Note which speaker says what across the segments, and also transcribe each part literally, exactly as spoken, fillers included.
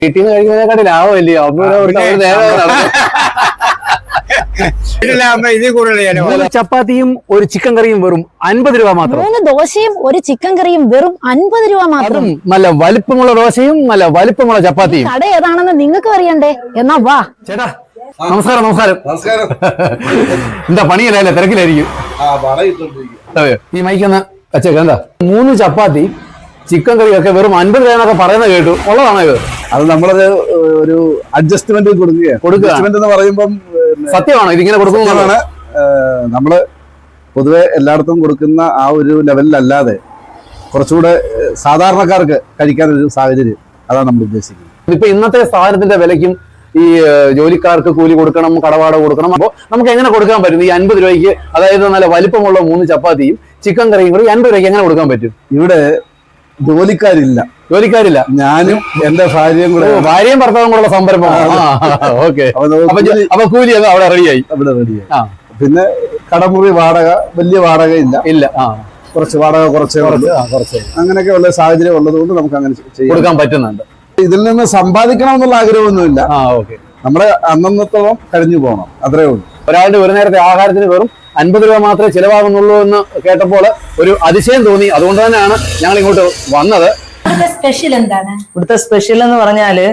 Speaker 1: വീട്ടിൽ നിന്ന് കഴിക്കുന്നതിനെക്കാട്ടി ലാഭമല്ലയോ? ചപ്പാത്തിയും ഒരു ചിക്കൻ കറിയും വെറും അൻപത് രൂപ മാത്രം.
Speaker 2: മൂന്ന് ദോശയും ഒരു ചിക്കൻ കറിയും വെറും അൻപത് രൂപ മാത്രം.
Speaker 1: നല്ല വലിപ്പമുള്ള ദോശയും നല്ല വലിപ്പമുള്ള ചപ്പാത്തിയും.
Speaker 2: കട ഏതാണെന്ന് നിങ്ങൾക്ക് അറിയണ്ടേ? എന്നാ വാ.
Speaker 1: ചേട്ടാ നമസ്കാരം. നമസ്കാരം. നമസ്കാരം. എന്താ പണിയല്ലേ? തിരക്കിലായിരിക്കും. ഈ മൈക്കൊന്ന് വെച്ചേക്ക. എന്താ മൂന്ന് ചപ്പാത്തി ചിക്കൻ കറിയൊക്കെ വെറും അൻപത് രൂപ എന്നൊക്കെ പറയുന്നത് കേട്ടു. ഉള്ളതാണോ ഇത്?
Speaker 3: അത് നമ്മളത് ഒരു അഡ്ജസ്റ്റ്മെന്റ് കൊടുക്കുക. അഡ്ജസ്റ്റ്മെന്റ് എന്ന് പറയുമ്പം
Speaker 1: സത്യമാണോ ഇതിങ്ങനെ കൊടുക്കുന്നതാണ്?
Speaker 3: നമ്മള് പൊതുവെ എല്ലായിടത്തും കൊടുക്കുന്ന ആ ഒരു ലെവലിലല്ലാതെ കുറച്ചുകൂടെ സാധാരണക്കാർക്ക് കഴിക്കാനൊരു സാഹചര്യം, അതാണ് നമ്മൾ ഉദ്ദേശിക്കുന്നത്.
Speaker 1: ഇപ്പൊ ഇന്നത്തെ സാധനത്തിന്റെ വിലയ്ക്കും ഈ ജോലിക്കാർക്ക് കൂലി കൊടുക്കണം, കടവാട കൊടുക്കണം. അപ്പോൾ നമുക്ക് എങ്ങനെ കൊടുക്കാൻ പറ്റും ഈ അൻപത് രൂപയ്ക്ക്? അതായത് നല്ല വലിപ്പമുള്ള മൂന്ന് ചപ്പാത്തിയും ചിക്കൻ കറിയും കൂടി അൻപത് രൂപയ്ക്ക് എങ്ങനെ കൊടുക്കാൻ പറ്റും?
Speaker 3: ഇവിടെ ജോലിക്കാരില്ല.
Speaker 1: ജോലിക്കാരില്ല.
Speaker 3: ഞാനും എന്റെ ഭാര്യയും കൂടെ,
Speaker 1: ഭാര്യയും ഭർത്താവും കൂടെ സംരംഭമാണ്. ഓക്കെ. അപ്പൊ കൂലി അവിടെ റെഡിയായി.
Speaker 3: അവിടെ റെഡിയായി. പിന്നെ കടമുറി വാടക വലിയ വാടക ഇല്ല.
Speaker 1: ഇല്ല.
Speaker 3: കുറച്ച് വാടക കുറച്ച് കുറച്ച് അങ്ങനെയൊക്കെ ഉള്ള സാഹചര്യം ഉള്ളത് കൊണ്ട് നമുക്ക് അങ്ങനെ
Speaker 1: കൊടുക്കാൻ പറ്റുന്നുണ്ട്.
Speaker 3: ഇതിൽ നിന്ന് സമ്പാദിക്കണം എന്നുള്ള ആഗ്രഹമൊന്നുമില്ല. നമ്മുടെ അന്നത്തോളം കഴിഞ്ഞു പോകണം, അത്രേ ഉള്ളൂ.
Speaker 1: ഒരാളുടെ ഒരു നേരത്തെ ആഹാരത്തിന് വെറും അൻപത് രൂപ മാത്രമേ ചിലവാകുന്നുള്ളൂ എന്ന് കേട്ടപ്പോൾ ഒരു അതിശയം തോന്നി. അതുകൊണ്ട് തന്നെയാണ് ഞങ്ങൾ ഇങ്ങോട്ട് വന്നത്.
Speaker 2: സ്പെഷ്യൽ എന്താണ്
Speaker 4: ഇവിടുത്തെ സ്പെഷ്യൽ എന്ന് പറഞ്ഞാല്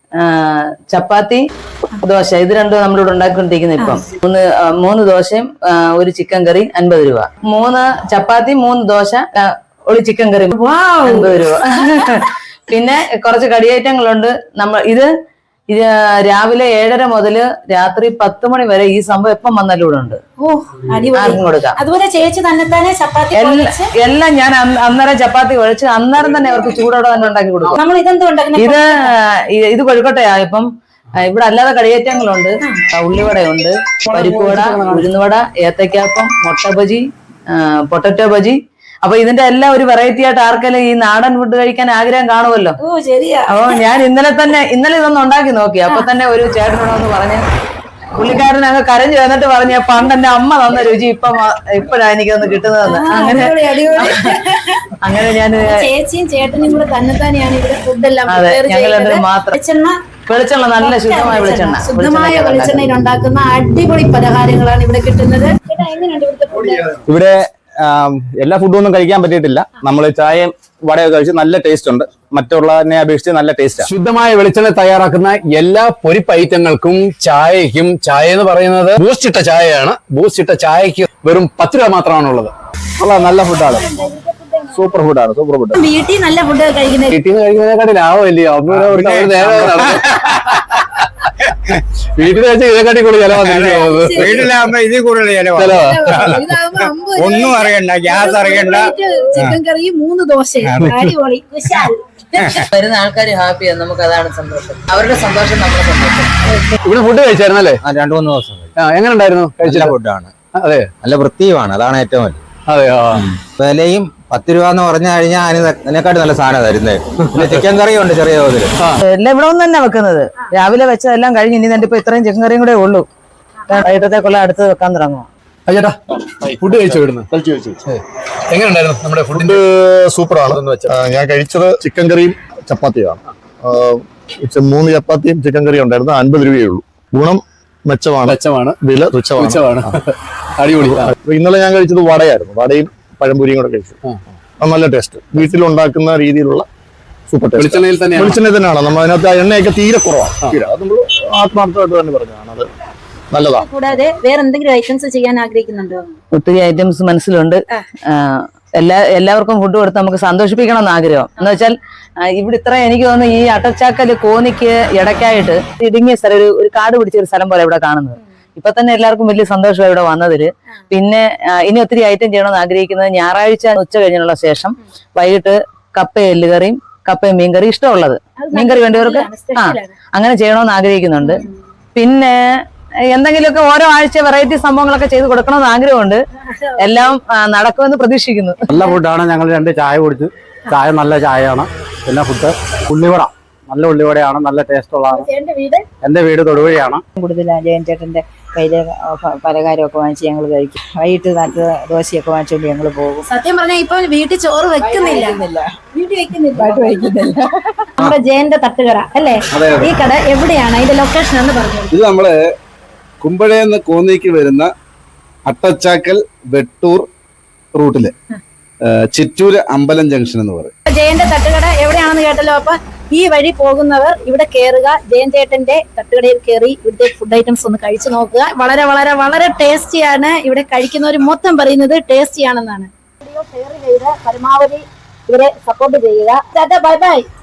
Speaker 4: ചപ്പാത്തി, ദോശ, ഇത് രണ്ടും നമ്മളിവിടെ ഉണ്ടാക്കിക്കൊണ്ടിരിക്കുന്നത്. ഇപ്പം മൂന്ന് മൂന്ന് ദോശയും ഒരു ചിക്കൻ കറി അൻപത് രൂപ. മൂന്ന് ചപ്പാത്തി, മൂന്ന് ദോശ, ഒരു ചിക്കൻ കറി അൻപത് രൂപ. പിന്നെ കുറച്ച് കടി ഐറ്റങ്ങളുണ്ട്. നമ്മൾ ഇത് ഇത് രാവിലെ ഏഴര മുതല് രാത്രി പത്ത് മണി വരെ ഈ സംഭവം എപ്പം വന്നാലും ഇവിടെ ഉണ്ട്. ആർക്കും കൊടുക്കാം.
Speaker 2: അതുപോലെ ചേച്ചി തന്നെ ചപ്പാത്തി
Speaker 4: എല്ലാം ഞാൻ അന്നേരം ചപ്പാത്തി കുഴച്ച് അന്നേരം തന്നെ അവർക്ക് ചൂടോടെ തന്നെ ഉണ്ടാക്കി കൊടുക്കും. ഇത് ഇത് കൊഴുക്കട്ടയാ. ഇപ്പം ഇവിടെ അല്ലാതെ കടിയേറ്റങ്ങളുണ്ട്. ഉള്ളിവടയുണ്ട്, പരിപ്പുവട, ഉഴുന്നുവട, ഏത്തക്കാപ്പം, മുട്ട ബജി, പൊട്ടറ്റോ ബജി. അപ്പൊ ഇതിന്റെ എല്ലാം ഒരു വെറൈറ്റി ആയിട്ട് ആർക്കെല്ലാം ഈ നാടൻ ഫുഡ് കഴിക്കാൻ ആഗ്രഹം കാണുമല്ലോ. അപ്പൊ ഞാൻ ഇന്നലെ തന്നെ ഇന്നലെ ഇതൊന്നും ഉണ്ടാക്കി നോക്കി. അപ്പൊ തന്നെ ഒരു ചേട്ടനോടൊന്ന് പറഞ്ഞ് പുള്ളിക്കാരനങ്ങ് കരഞ്ഞു വന്നിട്ട് പറഞ്ഞ പണ്ട് എന്റെ അമ്മ തന്ന രുചി ഇപ്പൊ ഇപ്പഴാ എനിക്കൊന്ന് കിട്ടുന്നതെന്ന്. അങ്ങനെ അങ്ങനെ ഞാൻ
Speaker 2: ചേച്ചിയും ചേട്ടനും കൂടെ തന്നെ തന്നെയാണ് ഇവിടെ ഫുഡെല്ലാം.
Speaker 4: അതെ, ഞങ്ങൾ രണ്ടും മാത്രം. വെളിച്ചെണ്ണ, നല്ല ശുദ്ധമായ വെളിച്ചെണ്ണ,
Speaker 2: ശുദ്ധമായ വെളിച്ചെണ്ണയിൽ ഉണ്ടാക്കുന്ന അടിപൊളി പലഹാരങ്ങളാണ് ഇവിടെ കിട്ടുന്നത്.
Speaker 5: ഇവിടെ എല്ലാ ഫുഡും ഒന്നും കഴിക്കാൻ പറ്റിയിട്ടില്ല. നമ്മൾ ചായയും വടയൊക്കെ കഴിച്ച് നല്ല ടേസ്റ്റ് ഉണ്ട്. മറ്റുള്ളതിനെ അപേക്ഷിച്ച് നല്ല ടേസ്റ്റ്.
Speaker 1: ശുദ്ധമായ വെളിച്ചെണ്ണ തയ്യാറാക്കുന്ന എല്ലാ പൊരിപ്പ് ഐറ്റങ്ങൾക്കും ചായക്കും, ചായ എന്ന് പറയുന്നത് ബൂസ്റ്റ് ഇട്ട ചായയാണ്. ബൂസ്റ്റ് ഇട്ട ചായക്ക് വെറും പത്ത് രൂപ മാത്രമാണുള്ളത്.
Speaker 5: നല്ല ഫുഡാണ്, സൂപ്പർ ഫുഡാണ്, സൂപ്പർ ഫുഡ്.
Speaker 2: വീട്ടിൽ നല്ല ഫുഡ് കഴിക്കുന്നത്
Speaker 1: വീട്ടിൽ നിന്ന് കഴിക്കുന്നതിനെക്കാട്ടി ലാഭമല്ലയോ? വീട്ടിൽ വെച്ച് ഇതിനെക്കാട്ടി കൂടുതൽ ചിലവാകുന്നത്.
Speaker 6: വീട്ടിലാകുമ്പോ ഇതിൽ കൂടുതൽ ചിലവാ. ഒന്നും അറിയണ്ട, ഗ്യാസ് അറിയണ്ട.
Speaker 2: ചിക്കൻ കറി, മൂന്ന് ദോശ, അടിപൊളി.
Speaker 4: വരുന്ന ആൾക്കാർ ഹാപ്പിയാണ്, നമുക്ക് അതാണ് സന്തോഷം. അവരുടെ സന്തോഷം നമ്മുടെ സന്തോഷം.
Speaker 1: ഇവിടെ ഫുഡ് കഴിച്ചായിരുന്നല്ലേ?
Speaker 5: രണ്ടു മൂന്ന് ദിവസം
Speaker 1: എങ്ങനെ ഉണ്ടായിരുന്നു?
Speaker 5: കഴിച്ച ഫുഡാണ്.
Speaker 1: അതെ,
Speaker 5: നല്ല വൃത്തിയുമാണ്, അതാണ് ഏറ്റവും വലിയ.
Speaker 1: അതെയോ?
Speaker 5: വിലയും പത്ത് രൂപ എന്ന് പറഞ്ഞു കഴിഞ്ഞാൽ അതിനെക്കാട്ടും നല്ല സാധനം തരുന്നത്. പിന്നെ ചിക്കൻ കറിയും ഉണ്ട് ചെറിയ തോതിൽ.
Speaker 4: എല്ലാം ഇവിടെ ഒന്ന് തന്നെ വെക്കുന്നത്. രാവിലെ വെച്ചതെല്ലാം കഴിഞ്ഞ് ഇനി തന്നെ ഇപ്പൊ ഇത്രയും ചിക്കൻ കറിയും കൂടെ ഉള്ളൂ. വൈകിട്ടത്തേക്കുള്ള അടുത്ത് വെക്കാൻ തുടങ്ങുമോ?
Speaker 1: ചേട്ടാ ഫുഡ് കഴിച്ചു വിടുന്നു. എങ്ങനെ ഉണ്ടായിരുന്നു നമ്മുടെ ഫുഡ്?
Speaker 7: സൂപ്പറാണ്. ഞാൻ കഴിച്ചത് ചിക്കൻ കറിയും ചപ്പാത്തിയാണ്. മൂന്ന് ചപ്പാത്തിയും ചിക്കൻ കറിയും ഉണ്ടായിരുന്നു. അൻപത് രൂപയേ ഉള്ളൂ. ഗുണം മെച്ചമാണ്, മെച്ചമാണ്. വില തുച്ഛമാണ്.
Speaker 1: അടിപൊളി.
Speaker 7: ഇന്നലെ ഞാൻ കഴിച്ചത് വടയായിരുന്നു. വടയും പഴംപൊരിയും കൂടെ കഴിച്ചു. നല്ല ടേസ്റ്റ്. വീട്ടിലുണ്ടാക്കുന്ന രീതിയിലുള്ള സൂപ്പർ ടേസ്റ്റ്.
Speaker 1: വെളിച്ചെണ്ണയിൽ തന്നെ
Speaker 7: വെളിച്ചെണ്ണ തന്നെയാണ്. നമ്മൾ അതിനകത്ത് എണ്ണയൊക്കെ തീരെ കുറവാണ്. തീരെ അത് നമ്മൾ ആത്മാർത്ഥമായിട്ട് തന്നെ പറഞ്ഞതാണ്. അത് നല്ലതാണ്.
Speaker 2: കൂടാതെ വേറെ എന്തെങ്കിലും ഐറ്റംസ് ചെയ്യാൻ ആഗ്രഹിക്കുന്നുണ്ടോ?
Speaker 4: ഒത്തിരി ഐറ്റംസ് മനസ്സിലുണ്ട്. എല്ലാ എല്ലാവർക്കും ഫുഡ് കൊടുത്ത് നമുക്ക് സന്തോഷിപ്പിക്കണം എന്ന് ആഗ്രഹം. എന്ന് വെച്ചാൽ ഇവിടെ ഇത്ര എനിക്ക് തോന്നുന്നു ഈ അട്ടച്ചാക്കല് കോന്നിക്ക് ഇടയ്ക്കായിട്ട് ഇടുങ്ങിയ സ്ഥലം, ഒരു ഒരു കാട് പിടിച്ച ഒരു സ്ഥലം പോലെ ഇവിടെ കാണുന്നത്. ഇപ്പൊ തന്നെ എല്ലാവർക്കും വലിയ സന്തോഷമാണ് ഇവിടെ വന്നതില്. പിന്നെ ഇനി ഒത്തിരി ഐറ്റം ചെയ്യണമെന്ന് ആഗ്രഹിക്കുന്നത് ഞായറാഴ്ച ഉച്ച കഴിഞ്ഞുള്ള ശേഷം വൈകിട്ട് കപ്പയും എല്ലുകറിയും കപ്പയും മീൻകറി, ഇഷ്ടമുള്ളത് മീൻകറി വേണ്ടവർക്ക് ആ അങ്ങനെ ചെയ്യണമെന്ന് ആഗ്രഹിക്കുന്നുണ്ട്. പിന്നെ എന്തെങ്കിലുമൊക്കെ ഓരോ ആഴ്ച വെറൈറ്റി സംഭവങ്ങളൊക്കെ ചെയ്ത് കൊടുക്കണമെന്ന് ആഗ്രഹമുണ്ട്. എല്ലാം നടക്കുമെന്ന് പ്രതീക്ഷിക്കുന്നു.
Speaker 1: നല്ല ഫുഡാണ്. ഞങ്ങൾ രണ്ട് ചായ കുടിച്ച്, ചായ നല്ല ചായയാണ്. പിന്നെ ഫുഡ് ഉള്ളിവട
Speaker 8: നല്ല ഉള്ളിവടയാണ്, നല്ല ടേസ്റ്റ് ഉള്ളതാണ്.
Speaker 2: ചേട്ടന്റെ വീട്
Speaker 8: എന്റെ വീട് തൊടുവഴിയാണ്.
Speaker 9: കൂടുതൽ ജയൻ ചേട്ടന്റെ കയ്യിലെ പലഹാരമൊക്കെ വാങ്ങിച്ച് ഞങ്ങൾ കഴിക്കും. വൈകിട്ട് നല്ല ദോശയൊക്കെ വാങ്ങിച്ചുകൊണ്ട് ഞങ്ങൾ പോകും.
Speaker 2: സത്യം പറഞ്ഞാൽ ഇപ്പൊ വീട്ടിൽ ചോറ് വെക്കുന്നില്ല, വീട്ടിൽ വെക്കുന്നില്ല,
Speaker 9: വയ്ക്കുന്നില്ല.
Speaker 2: നമ്മുടെ ജയന്റെ തട്ടുകട അല്ലേ? ഈ കട എവിടെയാണ്, അതിന്റെ ലൊക്കേഷൻ എന്ന് പറഞ്ഞു?
Speaker 3: ഇത് നമ്മള് കുമ്പഴേന്ന് കോന്നിക്ക് വരുന്ന അട്ടച്ചാക്കൽ വെട്ടൂർ റൂട്ടില് ചിറ്റൂര് അമ്പലം ജംഗ്ഷൻ എന്ന് പറയും.
Speaker 2: ജയന്റെ തട്ടുകട എവിടെയാണെന്ന് കേട്ടല്ലോ. അപ്പൊ ഈ വഴി പോകുന്നവർ ഇവിടെ കയറുക, ജയൻ ചേട്ടന്റെ തട്ടുകടയിൽ കയറി ഇവിടുത്തെ ഫുഡ് ഐറ്റംസ് ഒന്ന് കഴിച്ചു നോക്കുക. വളരെ വളരെ വളരെ ടേസ്റ്റിയാണ്. ഇവിടെ കഴിക്കുന്നവർ മൊത്തം പറയുന്നത് ടേസ്റ്റിയാണെന്നാണ്. വീഡിയോ ഷെയർ ചെയ്ത് പരമാവധി ഇവരെ സപ്പോർട്ട് ചെയ്യുക. Bye by.